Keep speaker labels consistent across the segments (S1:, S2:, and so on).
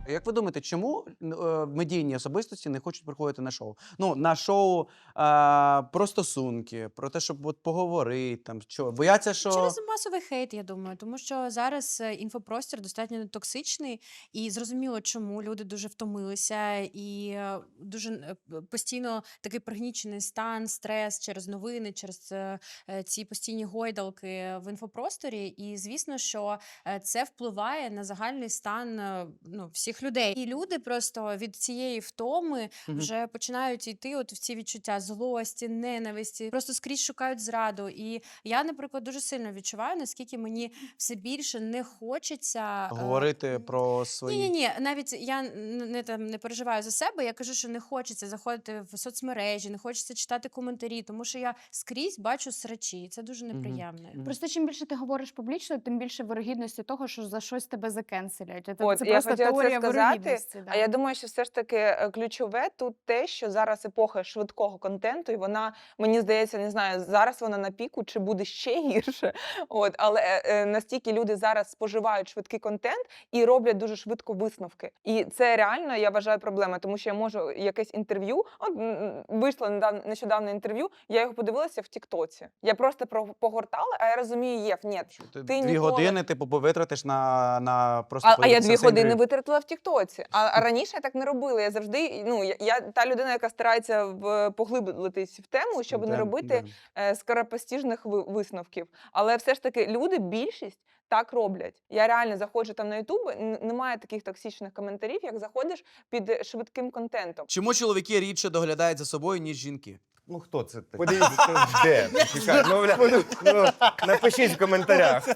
S1: Як ви думаєте, чому медійні особистості не хочуть приходити на шоу? Ну, на шоу про стосунки, про те, щоб от поговорити, там, що? Бояться, що...
S2: Через масовий хейт, я думаю, тому що зараз інфопростір достатньо токсичний, і зрозуміло, чому люди дуже втомилися, і дуже постійно такий пригнічений стан, стрес через новини, через ці постійні гойдалки в інфопросторі. І звісно, що це впливає на загальний стан всіх людей. І люди просто від цієї втоми вже починають йти от в ці відчуття злості, ненависті, просто скрізь шукають зраду. І я, наприклад, дуже сильно відчуваю, наскільки мені все більше не хочеться
S1: Говорити про свої...
S2: Ні, навіть я не переживаю за себе, я кажу, що не хочеться заходити в соцмережі, не хочеться читати коментарі, тому що я скрізь бачу срачі, і це дуже неприємно.
S3: Просто чим більше ти говориш публічно, тим більше вирогідності того, що за щось тебе закенселять.
S4: От,
S3: Це
S4: я
S3: просто
S4: хотіла
S3: теорія
S4: це сказати,
S3: вирогідності. Да.
S4: а я думаю, що все ж таки ключове тут те, що зараз епоха швидкого контенту, і вона, мені здається, не знаю, зараз вона на піку, чи буде ще гірше, але настільки люди зараз споживають швидкий контент і роблять дуже швидко висновки. І це реально, я вважаю, проблема, тому що я можу якесь інтерв'ю, вийшло нещодавно інтерв'ю, я його подивилася в Тіктоці. Я просто погортала, а я розумію, Єв, ні,
S1: Ти
S4: ти
S1: 2
S4: ніколи...
S1: години витратиш на просто
S4: А я 2
S1: подивитися
S4: години
S1: інтерв'ю.
S4: витратила в Тіктоці. А раніше я так не робила. Я завжди, я та людина, яка старається поглиблитись в тему, щоб не робити скоропостіжних висновків. Але все ж таки люди, більшість, так роблять. Я реально заходжу там на Ютуб, немає таких токсичних коментарів, як заходиш під швидким контентом.
S1: Чому чоловіки рідше доглядають за собою, ніж жінки?
S5: Ну хто це такий? Подивіться, де? Чекай, напишіть в коментарях.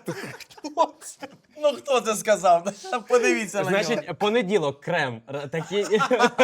S1: Ну, хто це сказав? Подивіться на нього.
S6: Значить, понеділок, крем. Такий...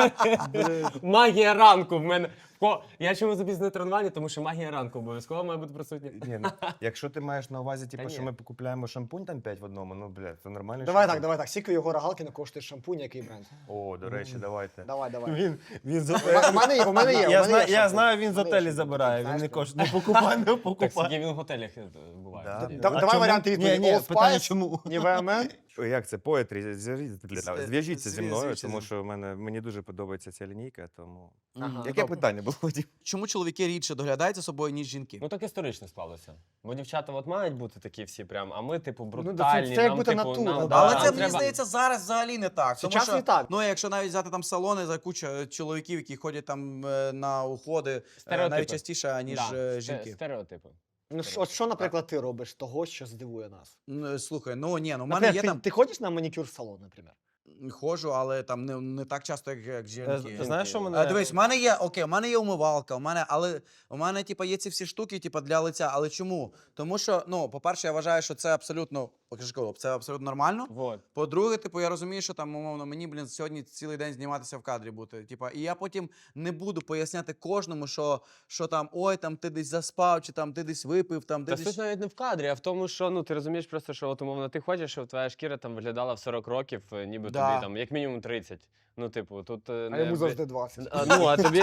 S6: Магія ранку в мене. Я чому запізнив тренування, тому що магія ранку обов'язково має бути присутня.
S5: Ні, якщо ти маєш на увазі, що ми купляємо шампунь там 5 в одному, ну, блядь, це нормально.
S7: Давай так. Скільки його Галкіна коштує шампунь, який бренд?
S5: О, до речі, давайте.
S7: Давай.
S5: Він
S7: У мене є.
S5: Я знаю, він з готелі забирає, він не коштує, не покупає.
S6: Так, скільки він в готелях буває.
S7: Давай варіанти відповіді.
S5: Ні,
S7: Old
S5: питання
S7: Spice,
S5: чому?
S7: Nivea Men.
S5: Як це? Поетрі, зв'яжіться зі мною,
S1: зв'яжіться
S5: тому
S1: зі
S5: що мені дуже подобається ця лінійка, тому...
S7: Ага.
S5: Яке питання було, Вадим?
S1: Чому чоловіки рідше доглядають за собою, ніж жінки?
S6: Ну так історично склалося. Бо дівчата от мають бути такі всі прям, а ми, типу,
S7: це
S6: брутальні.
S7: як
S6: нам,
S7: бути
S6: типу,
S7: натура,
S6: нам,
S7: да.
S1: Але
S6: нам
S1: це, мені
S6: треба-
S1: здається, зараз взагалі не так. Тому
S7: Сейчас
S1: що,
S7: не так.
S1: ну, якщо навіть взяти там салони за кучу чоловіків, які ходять там на уходи,
S6: Стереотипи.
S1: навіть частіше, ніж
S6: Да,
S1: жінки.
S6: Стереотипи.
S7: Ну, от що, наприклад, ти робиш того, що здивує нас?
S1: Слухай, в мене є
S7: Наприклад,
S1: там...
S7: ти ходиш на манікюр в салон, наприклад?
S1: Ходжу, але там не так часто, як жінки.
S6: Знаєш, що мене...
S1: Дивись, в мене є умивалка, але у мене є ці всі штуки, для лиця. Але чому? Тому що, по-перше, я вважаю, що це абсолютно, це абсолютно нормально.
S6: Вот.
S1: По-друге, я розумію, що там, умовно, мені, сьогодні цілий день зніматися в кадрі бути. І я потім не буду поясняти кожному, що там, ой, там ти десь заспав, чи там ти десь випив, там ти
S6: Та
S1: десь...
S6: суть навіть не в кадрі, а в тому, що ти розумієш просто, що от, умовно, ти хочеш, щоб твоя шкіра там виглядала в 40 років, ніби
S1: Да.
S6: тобі там як мінімум 30. Ну, типу, тут...
S7: А йому завжди 20.
S6: А тобі,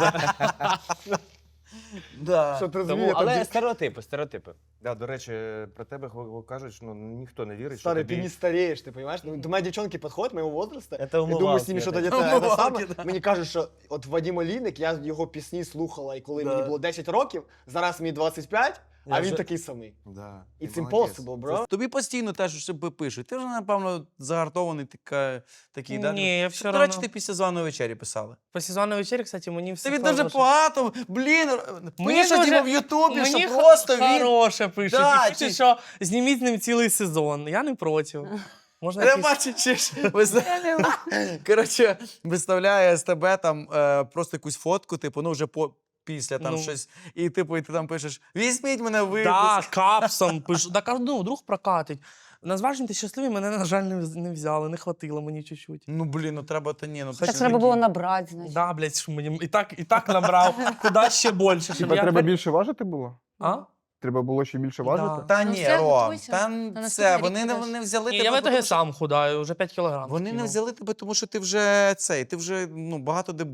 S1: Да.
S7: Що ти
S6: Тому,
S7: розумієш?
S6: але стереотипи.
S5: Да, до речі, про тебе кажуть, що ніхто не вірить, що
S7: Старый,
S5: тобі...
S7: ты не стареешь, ты понимаешь? Ну, до моей девчонки подходят моего возраста,
S5: Это
S7: я думаю, с
S5: умывалки,
S7: ними
S5: это.
S7: что-то где-то
S1: Умывалки,
S7: саме.
S1: да.
S7: Мені кажуть, що от Вадим Олійник, я його пісні слухала, і коли
S1: Да.
S7: мені було 10 років, зараз мені 25, а
S5: Я
S7: він
S5: вже-
S7: такий самий.
S5: Да.
S7: It's
S5: ти молодець.
S7: impossible, bro.
S1: Тобі постійно теж себе пишуть. Ти вже, напевно, загартований такий, да?
S8: Ні, я все
S1: До речі,
S8: равно.
S1: ти після званої вечері писали.
S8: По сезонній вечері, кстати, мені все
S1: Тобі дуже
S8: хороше.
S1: багато, блін,
S8: Мені
S1: пишуть
S8: дуже-
S1: йому в Ютубі,
S8: Мені
S1: що просто він...
S8: хороше пишуть.
S1: Да,
S8: І пишуть,
S1: чи-
S8: що зніміть з ним цілий сезон. Я не проти. Можна
S1: Я
S8: якийсь...
S1: бачу, чи ж коротше, виставляє з тебе там просто якусь фотку, вже після там
S8: Ну.
S1: щось, і і ти там пишеш, візьміть мене в випуск.
S8: Да, капсом пишу. Так, друг прокатить. Назважені ти щасливий, мене, на жаль, не взяли, не хватило мені чуть-чуть.
S1: Ну, блін, треба,
S3: Так треба було набрати, значить.
S8: Да, блядь, що мені і так набрав. Куди ще більше? щоб
S9: Тебе
S8: я-
S9: треба більше важити було?
S8: А?
S9: Треба було ще більше важити?
S1: Та
S2: Ну,
S1: ні,
S2: все,
S1: Ром,
S2: готуйся.
S1: там
S2: На
S1: це,
S2: наступний
S1: вони
S2: рік
S1: не,
S2: підеш.
S1: не взяли
S8: Ні,
S1: тебе,
S8: я в итоге
S1: тому що-
S8: сам худаю, вже 5 кілограм.
S1: Вони не
S8: скинув.
S1: взяли тебе, тому що ти вже багато де був.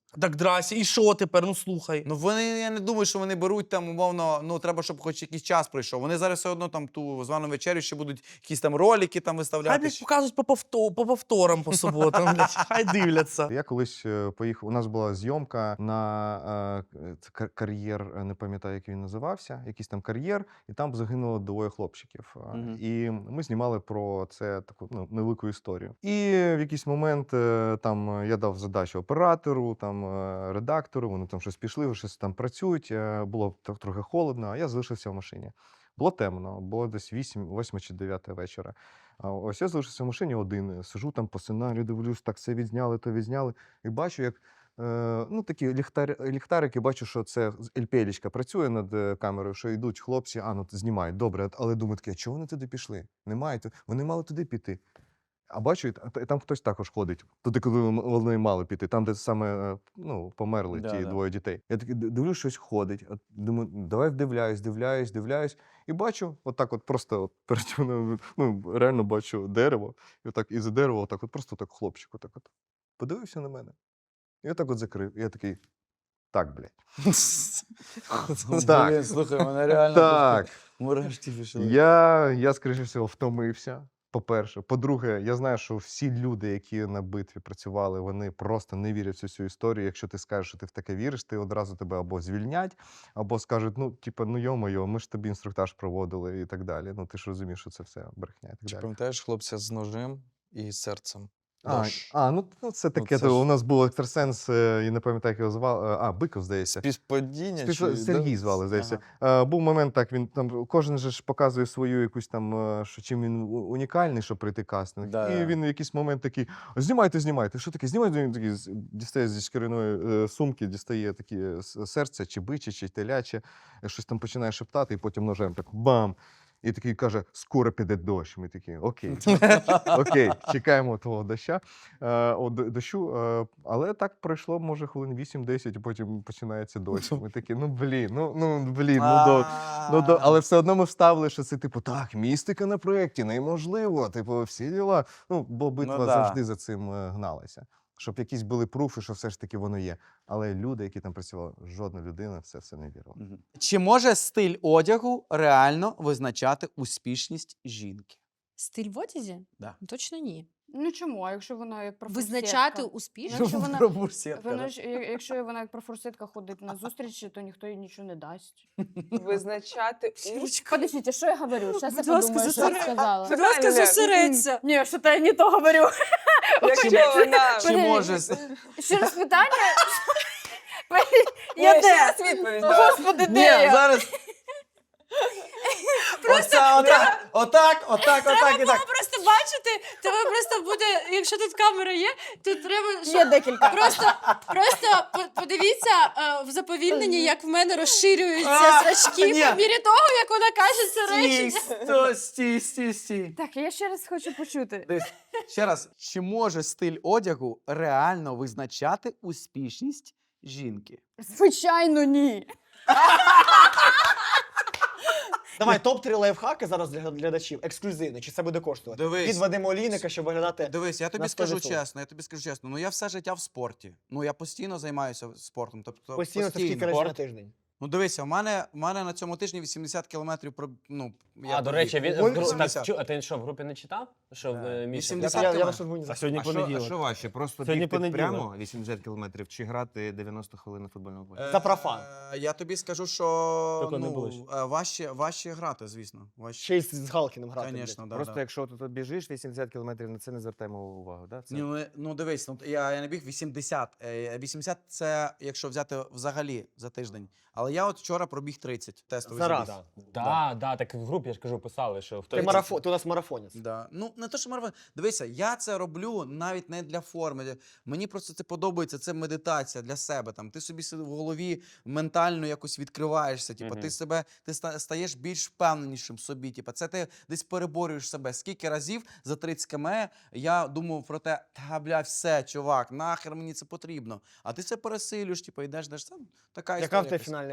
S8: Так, здрасте, і що тепер? Ну слухай.
S1: Ну вони, я не думаю, що вони беруть там, умовно, ну треба, щоб хоч якийсь час пройшов. Вони зараз все одно там ту звану вечерю ще будуть якісь там ролики там
S8: Хай
S1: виставляти.
S8: блядь, показують по повторам по суботам, блядь. Хай дивляться.
S5: Я колись поїхав. У нас була зйомка на кар'єр, не пам'ятаю, як він називався, якийсь там кар'єр, і там загинуло 2 хлопчиків. І ми знімали про це таку невелику історію. І в якийсь момент там я дав задачу оператору, там редактору, вони там щось пішли, щось там працюють. Було трохи холодно, а я залишився в машині. Було темно, було десь 8 чи 9 вечора. А ось я залишився в машині один, сижу там по сценарію, дивлюсь, так це відзняли, то відзняли. І бачу, як такі ліхтарики, бачу, що це ЛПЛічка працює над камерою, що йдуть хлопці, знімають, добре, але думаю, таке, чого вони туди пішли? Немає, вони мали туди піти. А бачу, там хтось також ходить. Туди, коли вони мали піти, там, де саме померли ті 2 дітей. Я такий дивлюсь, щось ходить. Думаю, давай вдивляюсь. І бачу, просто перед мною, реально бачу дерево. І отак із-за дерева, просто хлопчик, подивився на мене. І отак закрив. І я такий, так, блядь. Так.
S1: Блін, слухай, мене реально
S5: Так.
S1: просто мурашки пішли.
S5: Я, скоріше всього, втомився. По-перше. По-друге, я знаю, що всі люди, які на битві працювали, вони просто не вірять в цю історію. Якщо ти скажеш, що ти в таке віриш, ти одразу тебе або звільнять, або скажуть, йо-моє, ми ж тобі інструктаж проводили і так далі. Ти ж розумієш, що це все брехня і так
S10: Чи
S5: далі.
S10: пам'ятаєш хлопця з ножем і серцем?
S5: Це таке.
S10: це ж-
S5: У нас був екстрасенс, я не пам'ятаю, як його звали. Биков, здається.
S10: Співпадіння?
S5: Сергій звали, здається. Був момент, так, він там, кожен же ж показує свою якусь там, чим він унікальний, щоб прийти кастинг.
S1: Да.
S5: І він в якийсь момент такий, знімайте. Що таке? Знімайте, він такий, дістає зі шкіряної сумки, дістає такі серця, чи бичі, чи теляче, щось там починає шептати, і потім ножем так бам! І такий каже, скоро піде дощ. Ми такі, окей, чекаємо того дощу. Але так пройшло, може, хвилин 8-10, і потім починається дощ. Ми такі, але все одно ми вставили, що це, так, містика на проєкті, неможливо, всі діла. Бо битва завжди за цим гналася. Щоб якісь були пруфи, що все ж таки воно є. Але люди, які там працювали, жодна людина в це все не вірила.
S1: Чи може стиль одягу реально визначати успішність жінки?
S2: Стиль в одязі?
S1: Да.
S2: Точно ні.
S3: Ну чому? А якщо вона як профурсетка?
S2: Визначати успішність?
S3: Якщо вона,
S1: Пробурсетка,
S3: вона
S1: да.
S3: ж, якщо вона як профурсетка ходить на зустрічі, то ніхто їй нічого не дасть.
S4: Визначати
S3: Подождіть, що я говорю? Зараз я
S2: Будь ласка,
S3: подумаю, що я сказала.
S2: Будь ласка,
S4: Правильно.
S2: зосередься.
S3: Ні, що то я не то говорю.
S4: якщо вона...
S1: Чи може...
S3: Ще раз питання?
S4: Ні,
S3: Я
S4: ще
S3: де?
S4: раз відповідь давай.
S3: Господи,
S1: Ні,
S3: де я?
S1: зараз... Отак і так.
S2: Просто бачите, тебе просто буде, якщо тут камера є, тут треба...
S3: Є декілька.
S2: Просто подивіться в заповільненні, як в мене розширюються зрачки
S1: ні.
S2: по мірі того, як вона каже це речення.
S1: Стій.
S3: Так, я ще раз хочу почути.
S1: Дивись, ще раз, чи може стиль одягу реально визначати успішність жінки?
S3: Звичайно, ні.
S7: Давай, топ-3 лайфхаки зараз для глядачів. Ексклюзивно. Чи це буде коштувати?
S1: Дивись.
S7: Від Вадима Олійника, щоб виглядати.
S1: Дивись, я тобі
S7: на
S1: скажу
S7: 100%.
S1: чесно, я все життя в спорті. Я постійно займаюся спортом. Тобто,
S7: Постійно це скільки разів на тиждень.
S1: Дивися, у мене на цьому тижні 80 кілометрів я
S6: До речі, він
S7: Ой,
S1: 80.
S6: а ти що, в групі не читав? Що в Міша?
S1: 80
S7: Я
S1: кілометрів.
S7: вас організую.
S8: Сьогодні понеділок.
S5: що важче? Просто
S8: Сьогодні
S5: бігти
S8: понеділок.
S5: прямо 80 кілометрів чи грати 90 хвилин на футбольному полі?
S7: За профан.
S1: Я тобі скажу, що
S8: Тільки не будеш.
S1: важче грати, звісно.
S7: Ще й з Галкіним грати.
S1: Звісно, да.
S5: Просто якщо ти тут біжиш 80 кілометрів, на це не звертаємо увагу, да? Це...
S1: Дивись, я не біг 80. 80 – це якщо взяти взагалі за тиждень. Але я от вчора пробіг 30 тестовий
S7: Зараз.
S1: забіг.
S6: Так в групі, я ж кажу, писали, що хто...
S7: Ти у нас марафонець.
S1: Да. Не то, що марафон. Дивися, я це роблю навіть не для форми. Мені просто це подобається, це медитація для себе. Ти собі в голові ментально якось відкриваєшся. Ти стаєш більш впевненішим в собі. Це ти десь переборюєш себе. Скільки разів за 30 км я думав про те, все, чувак, нахер мені це потрібно. А ти це пересилюєш, йдеш. Це така
S7: Яка
S1: історія
S7: в тебе
S1: якась.
S7: фінальна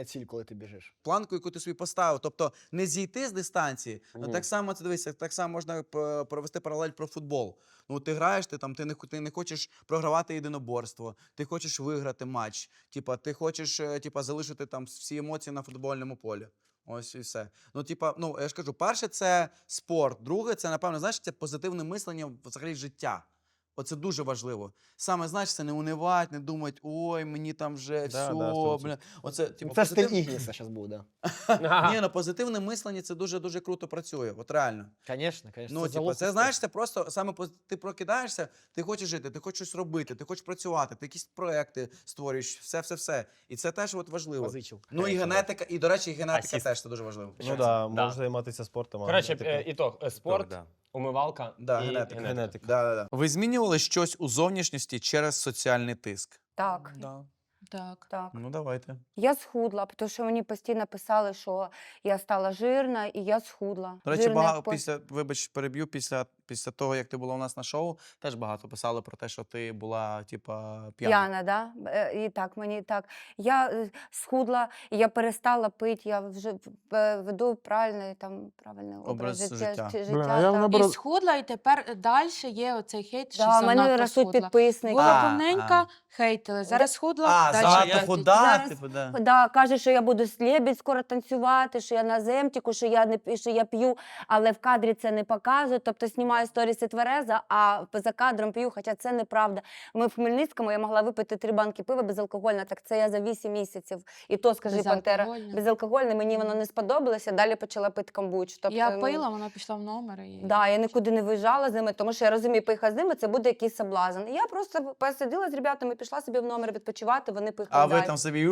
S7: ціль, коли ти біжиш?
S1: Планку, яку ти собі поставив. Тобто не зійти з дистанції, а
S6: Мгм.
S1: так само це дивися, так само можна провести паралель про футбол. Ну, ти граєш, ти не хочеш програвати єдиноборство, ти хочеш виграти матч. Типа, ти хочеш залишити там всі емоції на футбольному полі. Ось і все. Ну, ну, я ж кажу, перше це спорт, друге, це, напевно, знаєш, це позитивне мислення взагалі життя. Оце дуже важливо. Саме, знаєш, це не унивати, не думати, ой, мені там вже все,
S10: 100%.
S1: бля. Оце,
S7: Це стиль Ігніса зараз буде.
S1: Ні, ну позитивне мислення це дуже-дуже круто працює. От реально.
S7: Звісно, звісно.
S1: Ну, це знаєш, це просто саме ти прокидаєшся, ти хочеш жити, ти хочеш щось робити, ти хочеш працювати, ти якісь проекти створюєш, все. І це теж от важливо.
S7: Позичив.
S1: Ну і генетика, і, до речі, і генетика
S6: Асіст.
S1: теж це дуже важливо.
S11: Ну так, можеш займатися спортом. а
S6: Коротше,
S11: генетика-
S6: ітог. Спорт, умивалка
S1: Да,
S6: і
S1: генетика.
S6: генетика.
S1: Да. Ви змінювали щось у зовнішності через соціальний тиск?
S12: Так,
S8: Да.
S2: Так.
S12: так.
S1: Ну, давайте.
S12: Я схудла, тому що мені постійно писали, що я стала жирна, і я схудла.
S1: До речі,
S12: Жирна,
S1: багато
S12: як
S1: вибач, переб'ю, після того, як ти була у нас на шоу, теж багато писали про те, що ти була, п'яна.
S12: п'яна, да? І так, мені так. Я схудла, і я перестала пити, я вже веду правильний образ
S1: Образ життя.
S9: Блін, а я
S12: так.
S9: наоборот-
S2: І схудла, і тепер далі є оцей хейт, що
S12: Да, в мене
S2: занадто
S12: ростуть
S2: схудла.
S12: підписники.
S2: Була повненька, хейтили. Зараз схудла, далі
S1: занадто
S2: хейтять.
S1: худа,
S12: Зараз-
S1: типу, да.
S12: Да, каже, що я буду слєбідь скоро танцювати, що я на земтіку, що я п'ю, але в кадрі це не показують. Тобто знімаю сторіси твереза, а за кадром п'ю, хоча це неправда. Ми в Хмельницькому, я могла випити 3 банки пива безалкогольне, так це я за 8 місяців. І то, скажи, Пантера,
S2: Безалкогольне.
S12: безалкогольне, мені воно не сподобалося, далі почала пити камбуч. Тобто,
S2: Я пила, вона пішла в номер. І...
S12: Да, я нікуди не виїжджала з ними, тому що я розумію, поїхати з ними, це буде якийсь соблазн. І я просто посиділа з ребятами, пішла собі в номер відпочивати, вони поїхали
S1: А ви
S12: далі.
S1: там собі.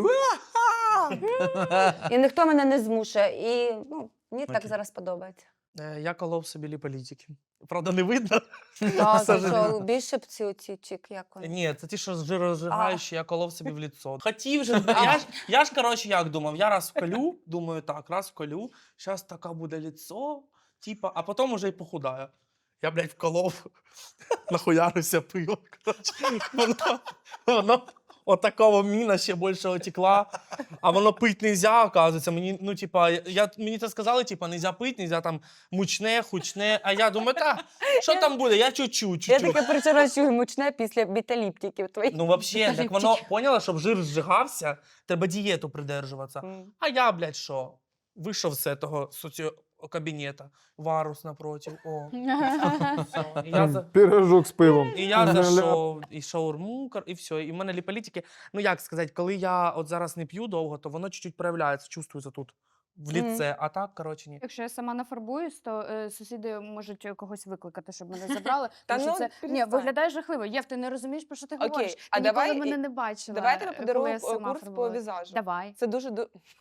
S12: І ніхто мене не змушує. І мені так
S1: Окей.
S12: зараз подобається.
S8: Я колов собі ліполітики. Правда, не видно.
S12: Так,
S8: К сожалению.
S12: що більше б ці чик, як вони.
S8: Ні, це ті, що жиророзжигаючі, я колов собі в ліцо. Хотів же, я ж, коротше, як думав, я раз вколю, думаю, так, раз вколю, зараз така буде ліцо, типа, а потім уже й похудаю. Я, блядь, вколов, нахуярився пиво, коротше. Воно отакого міна ще більше отекла, а воно пить нельзя, оказується. Мені, ну, типа, мені це сказали, типа, нельзя пить, нельзя там мучне, хучне, а я думаю, що там буде, я чуть-чуть.
S12: Я таке причора чую мучне після біталіптиків твоїх.
S8: Ну, взагалі, так воно, поняла, щоб жир зжигався, треба дієту придержуватися. А я, блядь, що? Вийшов з того соціокабінета, варус напротив, о. Все. І я
S9: Пирожок з пивом.
S8: І я зайшов, і шаурму, і все. І в мене ліполітики. Ну, як сказати, коли я от зараз не п'ю довго, то воно чуть-чуть проявляється, чувствується тут, в ліце. А так, коротше, ні.
S3: Якщо я сама нафарбуюсь, то сусіди можуть когось викликати, щоб мене забрали.
S4: Та
S3: Тому що
S4: ну,
S3: це
S4: перестань.
S3: виглядає жахливо. Єв, ти не розумієш, про що ти
S4: Окей,
S3: говориш.
S4: а
S3: Ти ніколи
S4: давай
S3: мене не бачила.
S4: Давай я тобі
S3: коли
S4: подарую
S3: я сама
S4: курс по
S3: фарбувалась.
S4: візажу.
S3: Давай.
S4: Це дуже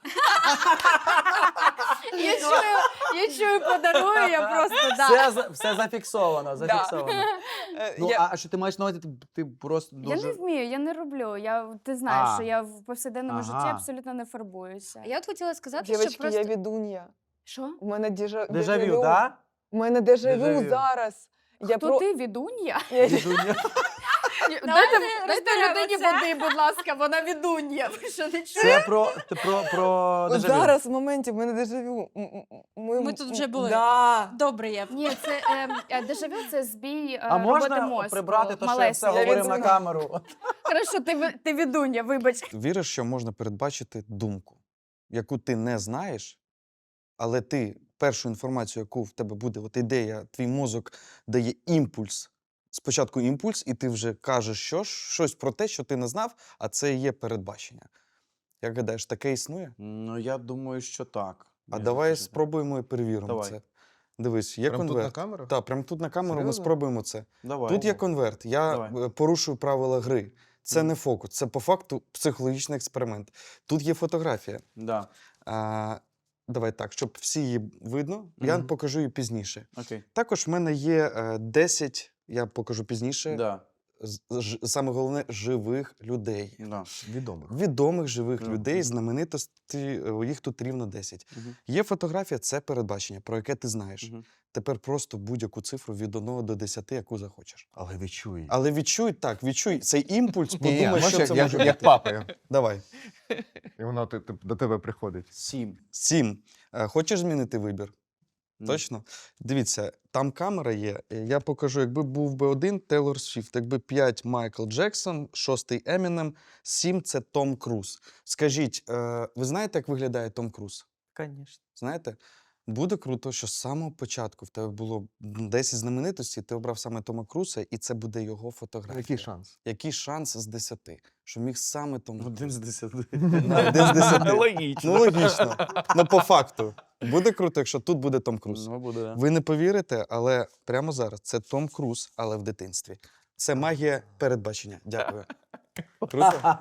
S3: Я чую, подарую, я просто, да.
S1: Все зафіксовано, зафіксовано. Ну,
S4: Я-
S1: а що ти маєш на увазі, ти просто
S3: Я
S1: дуже...
S3: не вмію, я не роблю. Ти знаєш,
S1: А.
S3: що я в повсякденному житті
S1: Ага.
S3: абсолютно не фарбуюся.
S2: Я от хотіла сказати,
S4: Дівчатки,
S2: що просто...
S4: я відун'я.
S3: Що?
S4: У мене
S1: Дежавю, так?
S4: У мене дежавю
S1: Дежавю.
S4: зараз. Я
S3: Хто ти, відун'я? Дайте
S2: розберемо
S3: людині
S2: це.
S3: води, будь ласка, вона відун'я. Ви що, не чуєте?
S1: Це про
S4: От
S1: дежавю.
S4: зараз в моменті в мене дежавю.
S2: Ми тут вже були.
S4: Да.
S2: Добре, Єв.
S3: Ні, це дежавю – це збій
S1: А
S3: роботи
S1: можна
S3: мозку.
S1: прибрати то, що я все
S3: малесенького.
S1: говорив на камеру?
S3: Хорошо, ти відун'я, вибач.
S10: Віриш, що можна передбачити думку, яку ти не знаєш, але ти першу інформацію, яку в тебе буде, от ідея, твій мозок дає імпульс. Спочатку імпульс, і ти вже кажеш щось про те, що ти не знав, а це і є передбачення. Як гадаєш, таке існує?
S1: Ну, я думаю, що так.
S10: А давай спробуємо і перевіримо
S1: Давай.
S10: це. Дивись, є
S5: Прям тут
S10: конверт.
S5: на камеру?
S10: Так, прямо тут на камеру ми
S5: Серйозно?
S10: спробуємо це.
S1: Давай.
S10: Тут є конверт. Я
S1: Давай.
S10: порушую правила гри. Це не фокус, це по факту психологічний експеримент. Тут є фотографія.
S1: Да.
S10: Давай так, щоб всі її видно, я
S1: Мгм.
S10: покажу її пізніше.
S1: Окей.
S10: Також в мене є 10, я покажу пізніше,
S1: Да.
S10: саме головне, живих людей.
S1: Да.
S5: Відомих.
S10: Відомих живих
S1: Мгм.
S10: людей, знаменитості, їх тут рівно 10.
S1: Мгм.
S10: Є фотографія, це передбачення, про яке ти знаєш.
S1: Мгм.
S10: Тепер просто будь-яку цифру від 1 до 10, яку захочеш.
S5: Але відчуй.
S10: Але відчуй цей імпульс,
S5: Ні,
S10: подумай, що це може
S5: як
S10: бути.
S5: папа.
S10: Давай.
S5: І воно до тебе приходить.
S1: 7.
S10: 7. Хочеш змінити вибір?
S1: Ну.
S10: Точно? Дивіться, там камера є. Я покажу, якби був би 1 Тейлор Свіфт, якби 5 Майкл Джексон, 6 Емінем, 7 це Том Круз. Скажіть, ви знаєте, як виглядає Том Круз?
S8: Звісно.
S10: Знаєте? Буде круто, що з самого початку в тебе було 10 знаменитостей, ти обрав саме Тома Круза, і це буде його фотографія.
S5: Який шанс?
S10: Який шанс з 10? Що міг саме Том Круз?
S1: 1 з 10.
S10: Да, 1 з 10.
S8: Логічно.
S10: Ну, логічно. Ну, по факту. Буде круто, якщо тут буде Том Круз.
S1: Ну, буде, да.
S10: Ви не повірите, але прямо зараз це Том Круз, але в дитинстві. Це магія передбачення. Дякую. Круто?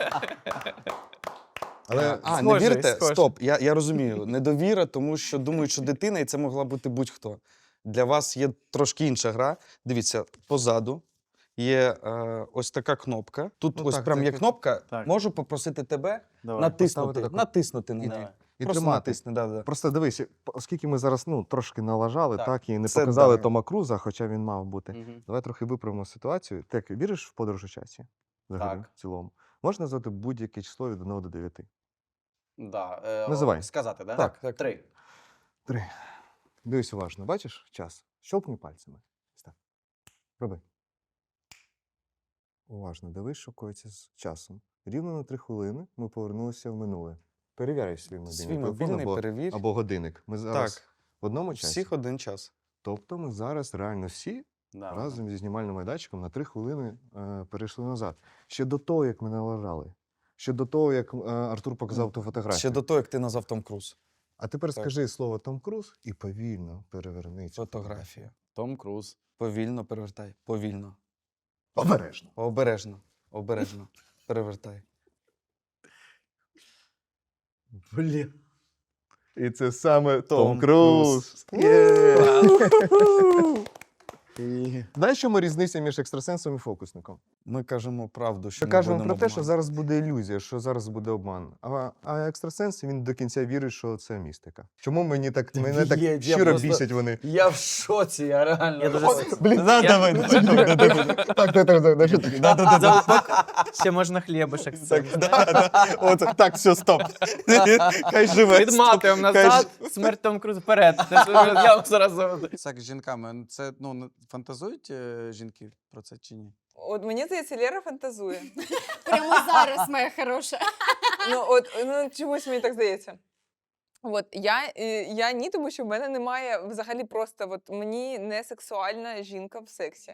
S5: Але
S10: не
S8: схоже,
S10: вірите?
S8: схоже.
S10: Стоп, я розумію. Недовіра, тому що думають, що дитина, і це могла бути будь-хто. Для вас є трошки інша гра. Дивіться, позаду є ось така кнопка. Тут
S5: Ну
S10: ось
S5: так,
S10: прям
S5: це
S10: є
S5: як-
S10: кнопка.
S1: Так.
S10: Можу попросити тебе
S5: поставити
S10: натиснути.
S5: таку.
S10: Натиснути на
S5: І-
S10: неї.
S5: І
S10: Просто
S5: тримати.
S10: натисни, да.
S5: Просто дивись, оскільки ми зараз трошки налажали,
S10: Так.
S5: так, і не
S10: Це
S5: показали
S10: да.
S5: Тома Круза, хоча він мав бути.
S1: Мгм.
S5: Давай трохи виправимо ситуацію. Ти як віриш в подорож у часі? Взагалі,
S1: Так.
S5: в цілому. Можна назвати будь-яке число від 1 до 9?
S1: Да.
S5: Називай.
S1: Сказати, да?
S10: Так, так.
S1: 3.
S5: 3. Дивись уважно, бачиш час? Щелкни пальцями. Ось так. Роби. Уважно, дивись, що коїться з часом. Рівно на 3 хвилини ми повернулися в минуле. Перевіряй свій мобільний
S10: Свій
S5: телефон
S10: мобільний
S5: або,
S10: перевір.
S5: або годинник. Ми зараз
S10: Так.
S5: в одному часі.
S10: Всіх один час.
S5: Тобто ми зараз реально всі
S1: Да.
S5: разом зі знімальним майданчиком на 3 хвилини перейшли назад. Ще до того, як ми налажали. Ще до того, як Артур показав ту фотографію.
S10: Ще до того, як ти назвав Том Круз.
S5: А тепер
S10: Так.
S5: скажи слово Том Круз і повільно переверни цю
S10: Фотографію.
S1: Том Круз.
S10: Повільно перевертай. Повільно.
S5: Обережно.
S10: Обережно. Обережно. Перевертай.
S8: Блін.
S5: І це саме Том
S10: Том
S5: Круз.
S10: Круз.
S5: Є. Знаєш, чому різниця між екстрасенсом і фокусником?
S10: Ми кажемо правду, що
S5: Ми
S10: не
S5: кажемо
S10: будемо
S5: про те, що
S10: обманювати.
S5: зараз буде ілюзія, що зараз буде обман. А екстрасенс, він до кінця вірить, що це містика. Чому мене так
S1: я
S5: щиро
S1: просто-
S5: бісять вони?
S1: Я в шоці, я реально.
S8: Я дуже
S5: Блін,
S8: давай.
S5: так.
S8: Ще можна хлібушек.
S5: От так, все, стоп. Хай живе.
S8: Відматуємо
S5: стоп.
S8: назад, смерть Том Круз вперед. Я вам зараз заведу.
S1: Секс з жінками. Це, фантазують жінки про це чи ні?
S4: От мені здається, Лера фантазує.
S2: Прямо зараз, моя хороша.
S4: Чомусь мені так здається. От я ні, тому що в мене немає взагалі просто мені не сексуальна жінка в сексі.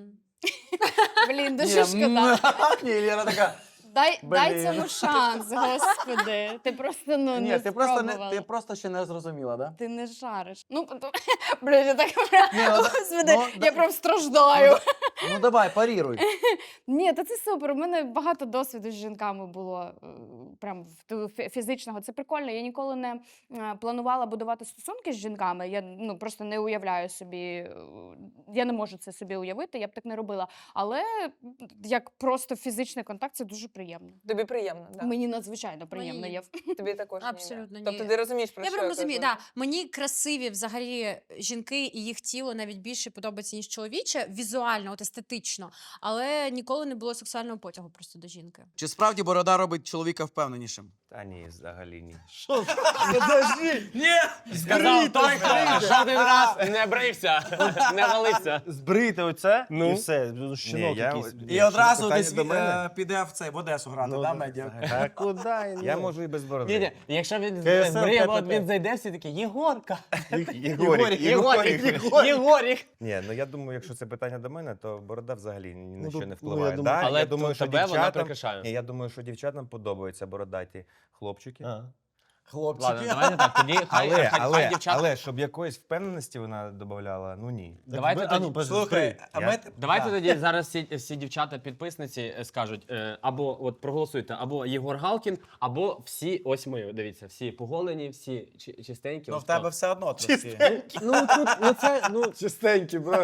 S2: Блін, дуже шкода.
S1: Ні, Лера така.
S2: Дай
S1: Блін.
S2: цьому шанс, господи. Ти просто
S1: Ні,
S2: не
S1: ти просто
S2: спробувала.
S1: ти просто ще не зрозуміла, да?
S2: Ти не жариш. Блін, я так
S1: ну,
S2: господи,
S1: ну,
S2: я прям страждаю.
S1: Ну давай, паріруй.
S3: Ні, та це супер. У мене багато досвіду з жінками було прям фізичного. Це прикольно. Я ніколи не планувала будувати стосунки з жінками. Я просто не уявляю собі, я не можу це собі уявити, я б так не робила. Але як просто фізичний контакт, це дуже приємно.
S4: Тобі приємно, так?
S3: Мені надзвичайно приємно.
S2: Мені.
S4: Тобі також ні, да?
S2: Абсолютно ні.
S4: Тобто ти розумієш, про
S2: Я
S4: що
S2: прям розумію,
S4: кажу?
S2: да. Мені красиві взагалі жінки і їх тіло навіть більше подобається, ніж чоловіче, візуально, от естетично, але ніколи не було сексуального потягу просто до жінки.
S1: Чи справді борода робить чоловіка впевненішим?
S11: Та ні, взагалі ні.
S1: Подожди! Ні!
S6: Сказав той, хто жоден раз не брився, не валився.
S11: Збрити оце
S6: Ну.
S11: і все. Щінок якийсь.
S1: І одразу десь піде в Одесу грати,
S11: Ну,
S1: да, медіа?
S11: Та куди? Я можу і без бороди.
S6: Ні-ні, якщо він
S11: КСЛ,
S6: збриє, от
S11: КПП.
S6: він зайде, всі такі, Єгорка.
S11: Єгорік.
S6: Єгорік.
S11: Ні, ну я думаю, якщо це питання до мене, то борода взагалі ні на що не
S7: ну, я
S11: впливає.
S7: думаю-
S11: Да,
S6: Але
S11: я думаю, що
S6: тебе вона
S11: дівчатам...
S6: прикрашає.
S11: Ні, я думаю, що дівчатам подобаються бородаті хлопчики.
S1: Хлопчики.
S6: Ладно, давайте так, тоді хай дівчата.
S11: Але щоб якоїсь впевненості вона додавала, ну ні.
S6: Давайте тоді-
S1: Слухай, а ми...
S6: Давайте тоді зараз всі дівчата-підписниці скажуть, або от проголосуйте, або Єгор Галкін, або всі, ось ми, дивіться, всі поголені, всі чистенькі.
S1: Ну
S6: ось
S1: в тебе
S6: так.
S1: все одно трошки.
S6: Ну тут, це,
S5: Чистенькі, бро.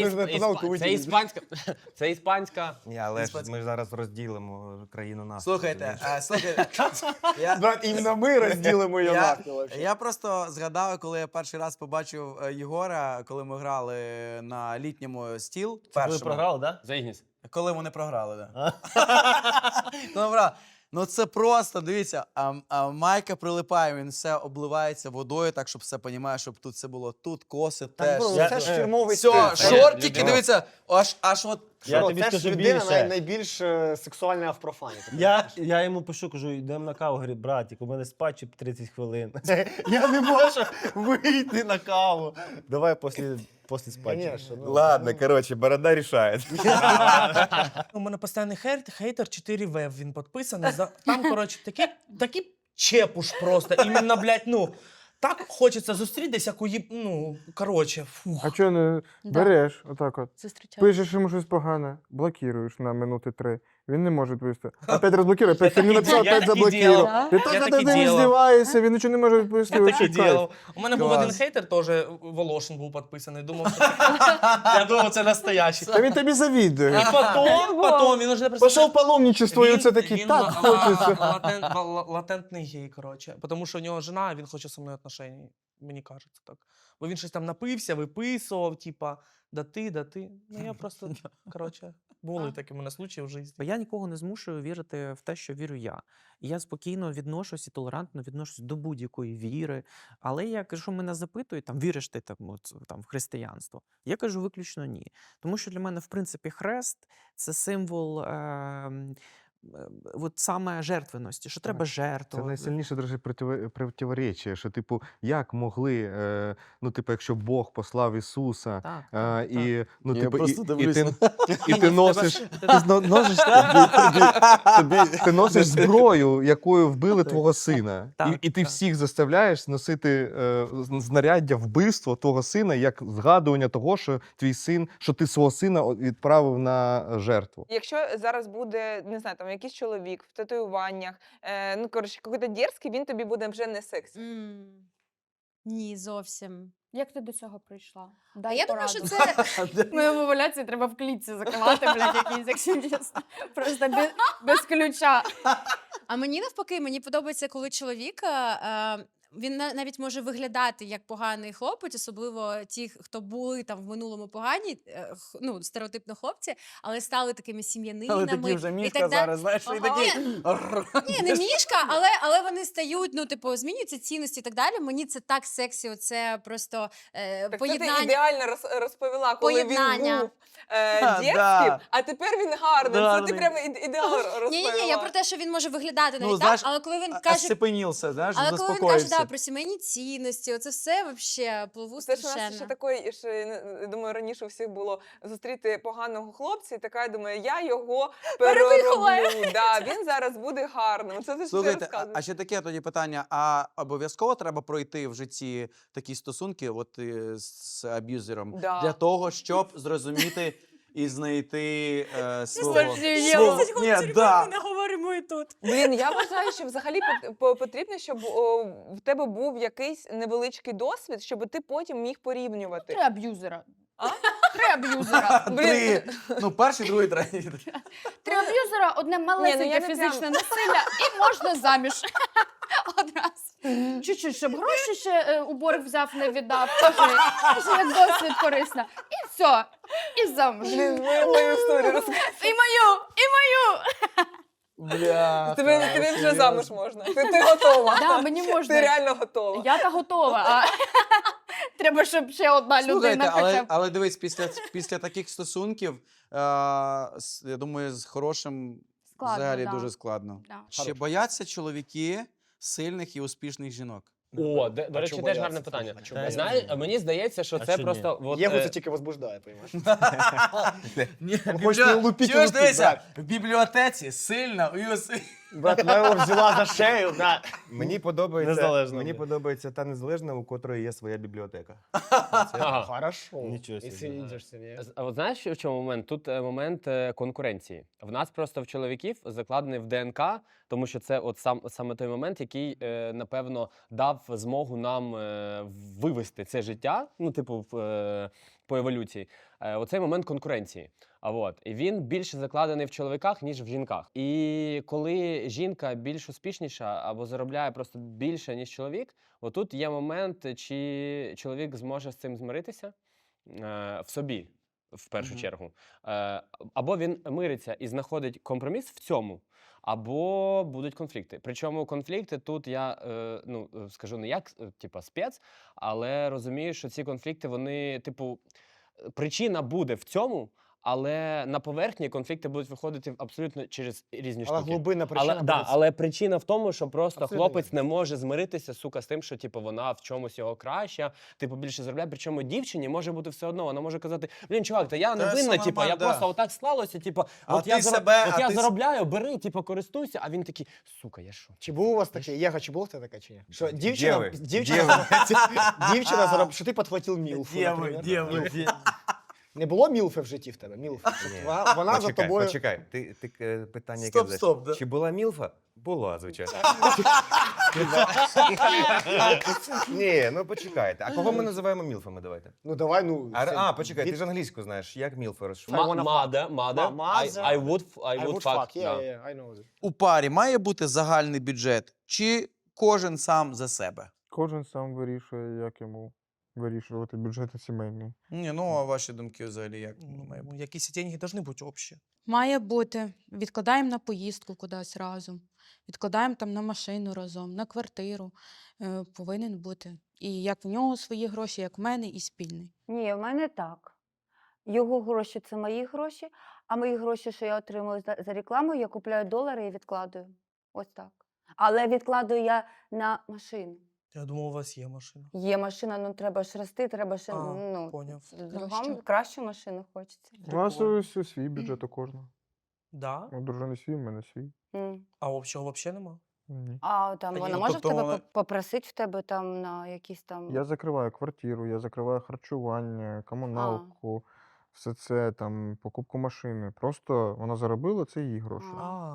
S6: це іспанська.
S11: Ні, але ж ми зараз розділимо країну нас.
S1: Слухайте, я...
S7: Брат, іменно ми розділимо її нахуй.
S1: Я просто згадав, коли я перший раз побачив Єгора, коли ми грали на літньому стіл.
S11: Ви
S1: першому.
S11: програли, так?
S6: За Ігніс.
S1: Коли вони програли, так. Ну це просто, дивіться, а Майка прилипає, він все обливається водою, так, щоб все понімає, щоб тут все було. Тут коси теж.
S7: Це ж фірмовий
S1: Все,
S7: стиль.
S1: шортики,
S6: людина.
S1: дивіться, аж от.
S11: Я
S7: Що,
S11: тобі
S7: це ж
S11: скажу
S7: людина
S11: більше.
S7: найбільш сексуальна в профані.
S11: Я йому пишу, кажу, йдемо на каву. Говорю, братик, у мене спадчі 30 хвилин. Я не можу вийти на каву. Давай після спадчі.
S7: Конечно, ну.
S11: Ладно, коротше, борода рішає.
S8: У мене постійний хейтер 4В, він підписаний. Там, коротше, такий чепуш просто. Іменно, блядь, ну, так хочеться зустрітися, ну, коротше, фух.
S9: А чого не
S2: Да.
S9: береш отак от?
S2: Зустрічаю.
S9: Пишеш йому щось погане, блокуєш на минути 3. Він не може відповісти. Опять розблокує, опять херню написав,
S8: Я
S9: опять
S8: таки
S9: заблокував.
S2: делав.
S9: Ти
S8: Я
S9: так
S8: таки
S9: над ним
S8: делав.
S9: здіваєшся, він нічого не може відповісти.
S8: Я
S9: вообще
S8: таке
S9: кайф.
S8: ділав. У мене був
S1: Клас.
S8: один хейтер, теж Волошин був підписаний. Я думав, це настоящий.
S9: Та він тобі завідує.
S8: І потім він уже просто...
S9: Пішов паломничество, і
S8: Він-
S9: оце такий,
S8: він
S9: так
S8: ла-
S9: хочеться.
S8: латентний гей, коротше. Тому що у нього жена, і він хоче зі мною отношень. Мені кажеться так. Бо він щось там напився, виписував, типа, да ти. Ну я просто, коротше, були такі в мене случаї в житті.
S13: Бо я нікого не змушую вірити в те, що вірю я. І я спокійно відношусь і толерантно відношусь до будь-якої віри. Але якщо мене запитують, там, віриш ти там, в християнство, я кажу виключно ні. Тому що для мене, в принципі, хрест – це символ от саме жертвеності, що треба
S5: Це
S13: жертвувати.
S5: найсильніше дуже противоречие, що, типу, як могли, ну, типу, якщо Бог послав Ісуса,
S13: Так.
S5: і, ну,
S1: Я
S5: типу,
S1: просто
S5: і
S1: дивлюсь
S5: ти,
S1: на-
S5: і ти носиш, ти носиш зброю, якою вбили твого сина.
S13: Так,
S5: І ти
S13: так.
S5: всіх заставляєш носити знаряддя вбивства твого сина, як згадування того, що твій син, що ти свого сина відправив на жертву.
S4: Якщо зараз буде, не знаю, там якийсь чоловік в татуюваннях, ну коротше, якийсь дерзкий, він тобі буде вже не сексі.
S2: Ні, зовсім.
S3: Як ти до цього прийшла?
S2: А
S3: Дай
S2: я думаю, що
S3: пораду.
S2: це
S3: Мою овуляцію треба в клітці закривати, блядь, якийсь, якщо чесно. Просто без ключа.
S2: А мені навпаки, мені подобається, коли чоловік, він навіть може виглядати як поганий хлопець, особливо ті, хто були там в минулому погані, ну, стереотипно хлопці, але стали такими сім'янинами.
S1: Але такі вже
S2: і
S1: мішка
S2: так далі.
S1: зараз, знаєш, і
S2: Ага.
S1: такі...
S2: Ні, не мішка, але вони стають, ну, типу, змінюються цінності і так далі. Мені це так сексі, оце просто
S4: Так це ти
S2: поєднання.
S4: ідеально розповіла, коли
S2: Поєднання.
S4: він був
S1: Да.
S4: дєвським, а тепер він гарний. Це
S1: Гарний.
S4: ти прямо ідеально розповіла.
S2: Ні, я про те, що він може виглядати навіть
S1: Ну, знаєш,
S2: так, але коли він каже,
S1: остепенівся, знаєш,
S2: але коли він каже,
S1: заспокоївся.
S2: да, про сімейні цінності, оце все вообще пливу
S4: Це ж у нас ще
S2: страшенно.
S4: такої, що, я думаю, раніше у всіх було зустріти поганого хлопця, і така, я думаю, я його
S2: Перевиховаю.
S4: перероблю. Да, він зараз буде гарним. Це ти ж
S1: Слухайте,
S4: розказуєш.
S1: а ще таке тоді питання: а обов'язково треба пройти в житті такі стосунки, от з аб'юзером,
S4: Да.
S1: для того, щоб зрозуміти і знайти свого.
S3: Слухай,
S1: свого- Ні, да.
S2: не говоримо і тут.
S4: Блін, я вважаю, що взагалі потрібно, щоб в тебе був якийсь невеличкий досвід, щоб ти потім міг порівнювати.
S3: Три аб'юзера.
S4: А?
S3: Три аб'юзера.
S1: Три. Ну, перший, другий, третій.
S3: Три аб'юзера, одне малесеньке
S4: я не
S3: фізичне
S4: прям-
S3: насилля і можна заміж. Одразу. Чуть-чуть, щоб гроші ще у борг взяв, не віддав. Теж як досвід корисно. І все. І замуж.
S4: Блін, мою історію розказуй.
S3: І мою.
S1: Бля.
S4: Тобі вже замуж можна. Ти готова.
S3: Да, мені можна.
S4: Ти реально готова.
S3: Я та готова, а треба, щоб ще одна
S1: Слухайте,
S3: людина хоча б.
S1: але дивись, після таких стосунків, я думаю, з хорошим
S3: Складно,
S1: взагалі
S3: да.
S1: дуже складно.
S3: Да.
S1: Чи бояться чоловіки сильних і успішних жінок?
S6: О, до
S7: А
S6: речі,
S7: чого
S6: теж
S7: бояться?
S6: гарне питання.
S7: А чого бояться?
S6: Знаєш, мені здається, що
S11: А
S6: це
S11: що ні?
S6: просто... от,
S7: Єгу це тільки возбуждає, розумієш?
S1: Ні,
S7: хочете лупіть і
S1: чуєш,
S7: лупіть,
S1: дивися, в бібліотеці сильна,
S7: Брат, вона його взяла за шею, на.
S11: Мені подобається,
S7: Незалежно,
S11: мені
S7: блядь.
S11: подобається та незалежна, у котрої є своя бібліотека.
S6: Ага.
S7: Хорошо.
S11: Нічого собі.
S6: А от знаєш, в чому момент? Тут момент конкуренції. В нас просто в чоловіків закладений в ДНК, тому що це от саме той момент, який, напевно, дав змогу нам вивести це життя, ну, типу, по еволюції. Оцей момент конкуренції. І він більше закладений в чоловіках, ніж в жінках. І коли жінка більш успішніша або заробляє просто більше, ніж чоловік, отут є момент, чи чоловік зможе з цим змиритися в собі. в першу
S1: Мгм.
S6: чергу. Або він мириться і знаходить компроміс в цьому, або будуть конфлікти. Причому конфлікти тут я скажу не як типа спец, але розумію, що ці конфлікти, вони, типу, причина буде в цьому, але на поверхні конфлікти будуть виходити абсолютно через різні
S7: Але
S6: штуки.
S7: глибинна причина
S6: Але,
S7: буде
S6: але причина в тому, що просто
S7: Абсолютно
S6: хлопець
S7: вірно.
S6: не може змиритися, сука, з тим, що типу, вона в чомусь його краща, типу більше заробляє. Причому дівчині може бути все одно. Вона може казати: блін, чувак, та я не
S1: Та все
S6: винна, типу, я
S1: нормально, да.
S6: просто отак склалося, типу,
S1: А
S6: от я,
S1: ти себе- а
S6: я
S1: ти с-
S6: заробляю, бери, типу, користуйся. А він такий, сука, я що?
S7: Чи був у вас таке? Єга, чи було в тебе таке чи ні? Що
S10: ви?
S7: дівчина, що ти підхватив мілфу, наприклад. Мілфу. Не було мілфи в житті в тебе? Мілфи. Щоб вона за тобою...
S14: Почекай, ти питання яке
S1: Стоп,
S14: задаєш?
S1: стоп, да.
S14: Чи була мілфа? Була, звичайно. Ні, ну почекайте. А кого ми називаємо мілфами? Давайте.
S7: Ну давай, ну...
S14: Почекай, ти ж англійську знаєш, як мілфа розшифровує?
S6: Мада. I would
S7: I would
S6: fuck.
S7: fuck,
S6: да.
S7: yeah, I know that.
S1: У парі має бути загальний бюджет, чи кожен сам за себе?
S9: Кожен сам вирішує, як йому вирішувати бюджети сімейні.
S1: Ні, ну а ваші думки взагалі як має бути?
S8: Якісь деньги повинні бути общі.
S15: Має бути. Відкладаємо на поїздку кудись разом, відкладаємо там на машину разом, на квартиру. Повинен бути. І як в нього свої гроші, як в мене, і спільний.
S12: Ні, в мене так. Його гроші це мої гроші, а мої гроші, що я отримую за рекламу, я купляю долари і відкладую. Ось так. Але відкладую я на машину.
S8: Я думав, у вас є машина.
S12: Є машина, ну треба ж рости, треба ж
S8: Поняв.
S12: другому кращу машину хочеться.
S9: У нас ось свій бюджет у кожного.
S8: Да?
S9: У дружини свій, у мене свій.
S8: А общого взагалі нема?
S9: Ні.
S12: А там
S1: Та
S12: вона
S1: ні,
S12: може
S1: тобто
S12: в тебе
S1: вона-
S12: попросити в тебе там на якісь там.
S9: Я закриваю квартиру, я закриваю харчування, комуналку, все це, там, покупку машини. Просто вона заробила, це її гроші.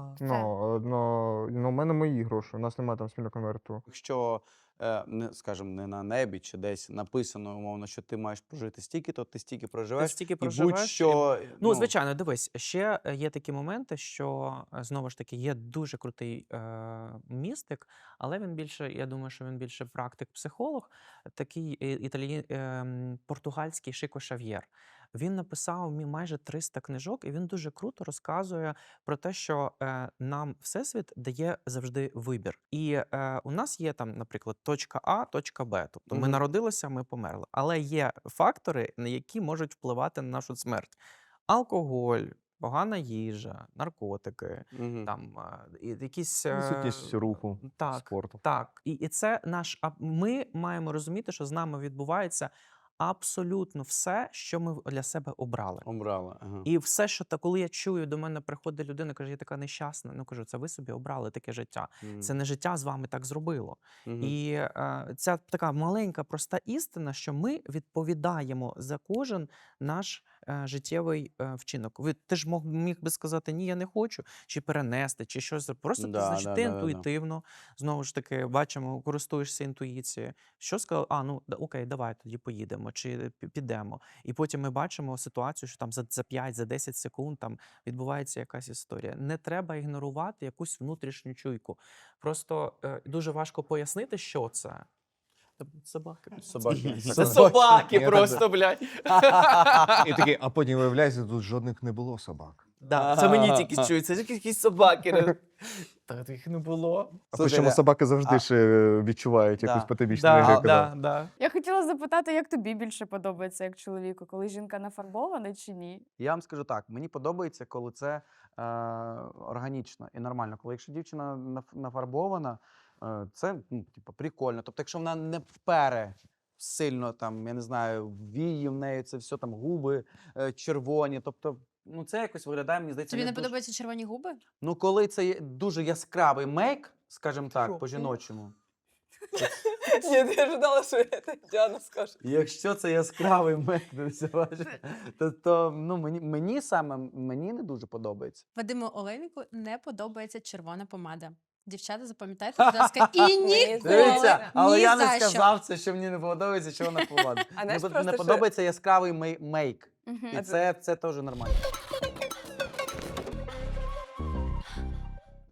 S9: Ну, у мене мої гроші, у нас немає там спільного конверту.
S1: Якщо, скажімо, не на небі чи десь написано, умовно, що ти маєш прожити стільки, то ти стільки проживеш.
S13: стільки
S1: І
S13: проживеш,
S1: будь-що,
S13: Ну, звичайно, дивись, ще є такі моменти, що знову ж таки є дуже крутий містик, але він більше, я думаю, що він більше практик-психолог, такий португальський Шико Шав'єр. Він написав майже 300 книжок, і він дуже круто розказує про те, що нам Всесвіт дає завжди вибір. І у нас є там, наприклад, точка А, точка Б. Тобто ми
S1: Мгм.
S13: народилися, ми померли. Але є фактори, на які можуть впливати на нашу смерть: алкоголь, погана їжа, наркотики,
S1: Мгм.
S13: там якісь
S5: Відсутність руху,
S13: так,
S5: спорту.
S13: так. І це ми маємо розуміти, що з нами відбувається абсолютно все, що ми для себе обрали.
S1: Обрала. Ага.
S13: І все, що коли я чую, до мене приходить людина, каже, я така нещасна. Ну кажу, це ви собі обрали таке життя. Це не життя з вами так зробило.
S1: Мгм.
S13: І ця така маленька, проста істина, що ми відповідаємо за кожен наш життєвий вчинок. Ти ж міг би сказати, ні, я не хочу, чи перенести, чи щось. Просто ти,
S1: Да,
S13: значить,
S1: да,
S13: ти
S1: да, да, да.
S13: інтуїтивно, знову ж таки, бачимо, користуєшся інтуїцією. Що сказав? Окей, давай тоді поїдемо, чи підемо. І потім ми бачимо ситуацію, що там за 5, за 10 секунд там відбувається якась історія. Не треба ігнорувати якусь внутрішню чуйку. Просто дуже важко пояснити, що це. Собаки.
S1: Собаки.
S13: Це собаки
S5: Я
S13: просто,
S5: так-
S13: блядь.
S5: І такий, а потім виявляється, тут жодних не було собак.
S13: Да, це мені тільки чується, якісь собаки. Та їх не було.
S5: А
S1: Слухай,
S5: причому
S1: да.
S5: собаки завжди ще відчувають якусь
S1: Да.
S5: потойбічну
S13: Да,
S5: енергію.
S13: да.
S3: Я хотіла запитати, як тобі більше подобається як чоловіку, коли жінка нафарбована чи ні?
S1: Я вам скажу так, мені подобається, коли це органічно і нормально. Коли якщо дівчина нафарбована, це типу, прикольно. Тобто, якщо вона не впере сильно, там, я не знаю, вії в неї, це все там губи червоні. Тобто, ну це якось виглядає, мені здається,
S2: Тобі не
S1: дуже...
S2: подобаються червоні губи?
S1: Ну, коли це є дуже яскравий мейк, скажімо так, по-жіночому.
S4: Ні, я ждала, що Діана скаже.
S1: Якщо це яскравий мейк, то ну, мені не дуже подобається.
S2: Вадиму Олейнику не подобається червона помада. Дівчата, запам'ятайте, будь ласка, і ніколи,
S1: Дивіться, але
S2: ні
S1: я
S2: за
S1: не
S2: що.
S1: сказав це, що мені не подобається, що вона повадить.
S4: А знаєш,
S1: Мені
S4: просто
S1: не
S4: що-
S1: подобається яскравий мейк. І
S4: А
S1: це теж нормально.